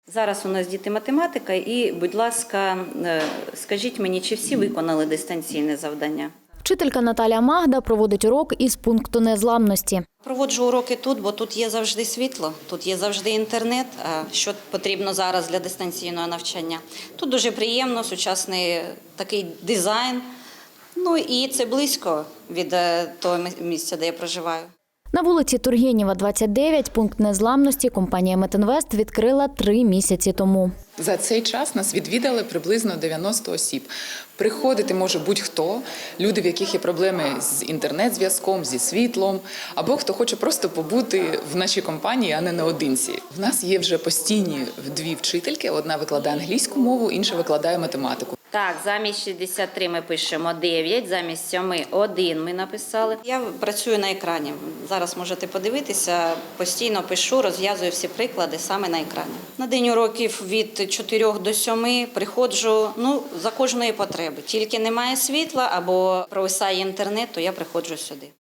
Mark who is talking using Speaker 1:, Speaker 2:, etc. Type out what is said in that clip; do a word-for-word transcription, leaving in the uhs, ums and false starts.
Speaker 1: Зараз у нас діти математика і, будь ласка, скажіть мені, чи всі виконали дистанційне завдання?
Speaker 2: Вчителька Наталя Магда проводить урок із пункту незламності.
Speaker 1: Проводжу уроки тут, бо тут є завжди світло, тут є завжди інтернет, що потрібно зараз для дистанційного навчання. Тут дуже приємно, сучасний такий дизайн, ну і це близько від того місця, де я проживаю.
Speaker 2: На вулиці Тургенєва, двадцять дев'ять, пункт незламності компанія «Метинвест» відкрила три місяці тому.
Speaker 3: За цей час нас відвідали приблизно дев'яносто осіб. Приходити може будь-хто, люди, в яких є проблеми з інтернет-зв'язком, зі світлом, або хто хоче просто побути в нашій компанії, а не наодинці. В нас є вже постійні дві вчительки, одна викладає англійську мову, інша викладає математику.
Speaker 1: Так, замість шістдесят три ми пишемо дев'ять, замість сьоми один ми написали. Я працюю на екрані. Зараз можете подивитися, постійно пишу, розв'язую всі приклади саме на екрані. На день уроків від чотирьох до сьоми приходжу, ну, за кожної потреби. Тільки немає світла або провисає інтернет, то я приходжу сюди.